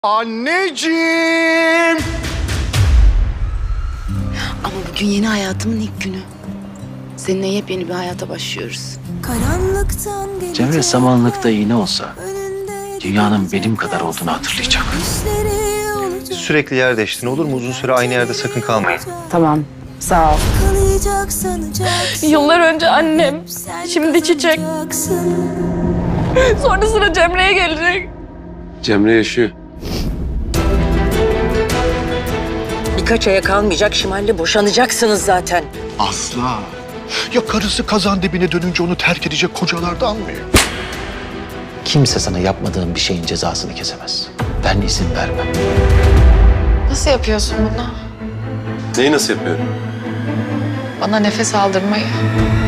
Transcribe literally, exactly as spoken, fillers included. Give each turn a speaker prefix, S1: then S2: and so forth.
S1: Anneciğim!
S2: Ama bugün yeni hayatımın ilk günü. Seninle yepyeni bir hayata başlıyoruz.
S3: Cemre samanlıkta iğne olsa dünyanın benim kadar olduğunu hatırlayacak.
S4: Sürekli yer değiştirin, olur mu? Uzun süre aynı yerde sakın kalmayın.
S2: Tamam, sağ ol.
S5: Yıllar önce annem, şimdi Çiçek. Sonra sıra Cemre'ye gelecek.
S6: Cemre yaşıyor.
S7: Birkaç aya kalmayacak, Şimal'le boşanacaksınız zaten.
S1: Asla. Ya karısı kazan dibine dönünce onu terk edecek kocalardan mı?
S3: Kimse sana yapmadığın bir şeyin cezasını kesemez. Ben izin vermem.
S5: Nasıl yapıyorsun bunu?
S6: Neyi nasıl yapıyorum?
S5: Bana nefes aldırmayı.